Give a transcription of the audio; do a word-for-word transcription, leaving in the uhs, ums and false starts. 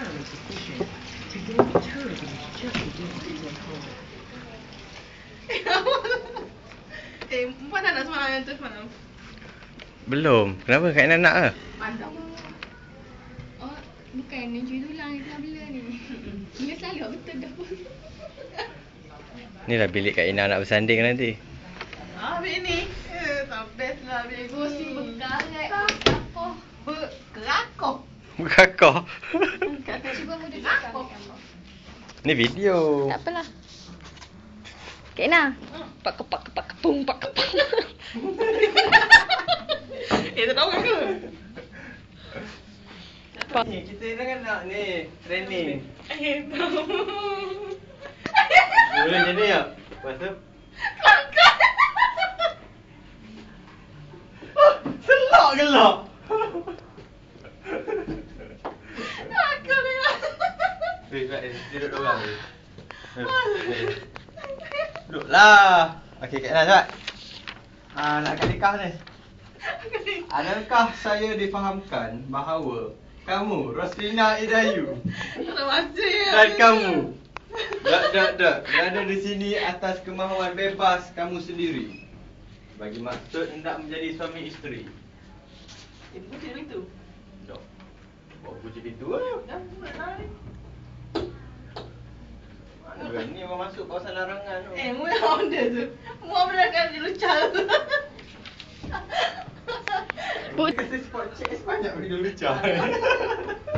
entirely sufficient to gain the turbines just against your home. Eh, Puan dah nak semalam tu semalam? Belum. Kenapa? Kak Ina nak ke? Pandang. Oh, bukan yang cuci tulang ni, bela ni. Dia selalu betul dah pun. Ni lah bilik Kak Ina nak bersanding nanti. Ah, bilik ni. Eh, tak best lah bilik ni. Kursi berkarat, berkakoh. Berkerakoh. Berkakoh. Cuba muda cakap gambar. Ni video. Tak apalah. Kak Ina. Pak kepak kepak kepung pak kepung. Eh, tak tahu ke? Ni kita kan nak ni training. Eh, tahu. Boleh jadi tak? Lepas tu Kelakar. selak gelak. Kelakar dia. Weh, Kak, duduk dua orang ni. Duduklah. Okey, Kak Ina cepat. Ah, nak akad nikah ni. Adakah saya difahamkan bahawa kamu, Roslina Idayu, Tak baca ya. dan kamu tak, tak, tak, berada di sini atas kemahuan bebas kamu sendiri bagi maksud hendak menjadi suami isteri? Eh, bukan macam itu. Tak. Bawa kunci pintu lah. Dah, buat lah ni. Mana berani orang masuk kawasan larangan tu. Eh, mula order tu. Muat berangkat dia lucah tu. Dia kata spot check sebanyak video lucah.